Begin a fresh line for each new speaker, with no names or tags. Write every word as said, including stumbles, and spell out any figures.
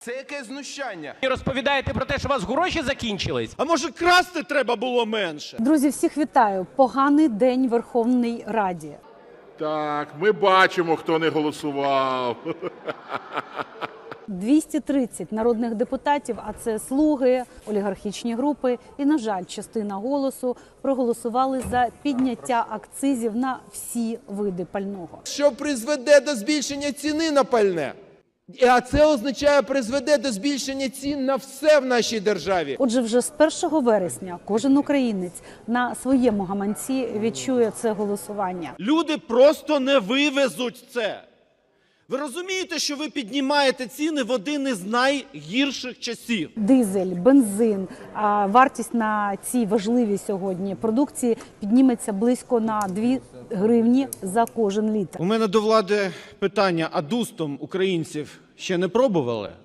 Це яке знущання?
І розповідаєте про те, що у вас гроші закінчились?
А може красти треба було менше?
Друзі, всіх вітаю. Поганий день Верховній Раді.
Так, ми бачимо, хто не голосував.
двісті тридцять народних депутатів, а це слуги, олігархічні групи і, на жаль, частина «Голосу» проголосували за підняття акцизів на всі види пального.
Що призведе до збільшення ціни на пальне. А це означає, призведе до збільшення цін на все в нашій державі.
Отже, вже з першого вересня кожен українець на своєму гаманці відчує це голосування.
Люди просто не вивезуть це. Ви розумієте, що ви піднімаєте ціни в один із найгірших часів?
Дизель, бензин, а вартість на цій важливій сьогодні продукції підніметься близько на дві гривні за кожен літр.
У мене до влади питання, а дустом українців ще не пробували?